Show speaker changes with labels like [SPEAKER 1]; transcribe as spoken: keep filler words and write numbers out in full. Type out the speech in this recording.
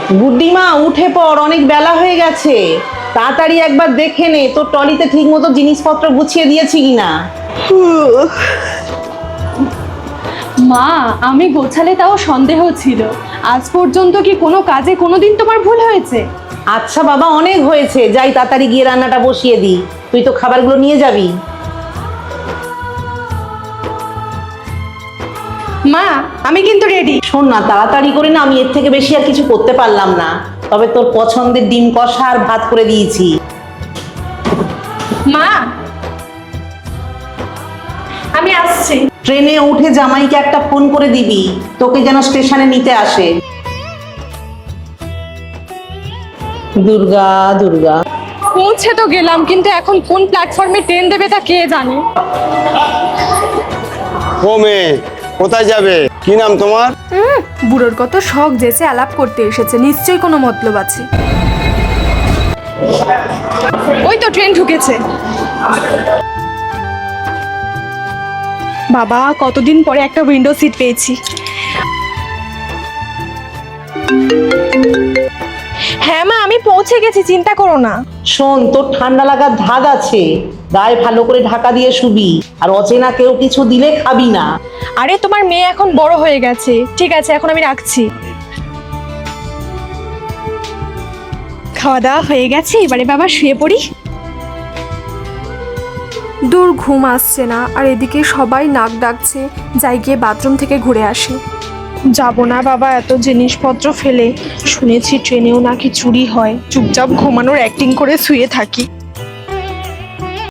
[SPEAKER 1] বুদ্ধিমা উঠে পড়, অনেক বেলা হয়ে গেছে। তাড়াতাড়ি একবার দেখে নে তোর ট্রলিতে ঠিক মতো জিনিসপত্র গুছিয়ে দিয়েছি কিনা।
[SPEAKER 2] মা, আমি গোছালে তাও সন্দেহ ছিল। আজ পর্যন্ত কি কোনো কাজে কোনোদিন তোমার ভুল হয়েছে?
[SPEAKER 1] আচ্ছা বাবা, অনেক হয়েছে, যাই তাড়াতাড়ি গিয়ে রান্নাটা বসিয়ে দি। তুই তো খাবারগুলো নিয়ে যাবি।
[SPEAKER 2] মা, আমি কিন্তু রেডি।
[SPEAKER 1] শোন না, তাড়াতাড়ি করে না, আমি এর থেকে বেশি আর কিছু করতে পারলাম না। তবে তোর পছন্দের ডিম কষা আর ভাত করে দিয়েছি।
[SPEAKER 2] মা, আমি আসছি।
[SPEAKER 1] ট্রেনে উঠে জামাইকে একটা ফোন করে দিবি, তোকে যেন স্টেশনে নিতে আসে। দুর্গা দুর্গা।
[SPEAKER 2] পৌঁছে তো গেলাম, কিন্তু এখন কোন প্ল্যাটফর্মে ট্রেন দেবে তা কে জানে।
[SPEAKER 3] ও মেয়ে, কোথায় যাবে? কি নাম তোমার?
[SPEAKER 4] বুড়োর কত শখ যেছে আলাপ করতে এসেছে, নিশ্চয়ই কোনো মতলব আছে।
[SPEAKER 2] ওই তো ট্রেন ঢুকেছে। বাবা, কতদিন পরে একটা উইন্ডো সিট পেয়েছি। হ্যাঁ মা, আমি পৌঁছে গেছি, চিন্তা করো না।
[SPEAKER 1] শোন, তোর ঠান্ডা লাগার ধাত আছে, গায়ে ভালো করে ঢাকা দিয়ে শুবি। আর অচেনা কেউ কিছু দিলে খাবি না।
[SPEAKER 2] আরে তোমার মেয়ে এখন বড় হয়ে গেছে। ঠিক আছে, এখন আমি রাখছি। খাওয়া দাওয়া হয়ে গেছে, এবারে বাবা শুয়ে পড়ি।
[SPEAKER 4] দূর ঘুম আসছে না, আর এদিকে সবাই নাক ডাকছে, যাই গিয়ে বাথরুম থেকে ঘুরে আসি।
[SPEAKER 2] যাব না বাবা এত জিনিসপত্র ফেলে। শুনেছি ট্রেনেও নাকি চুরি হয়। চুপচাপ ঘুমানোর অ্যাক্টিং করে শুয়ে থাকি।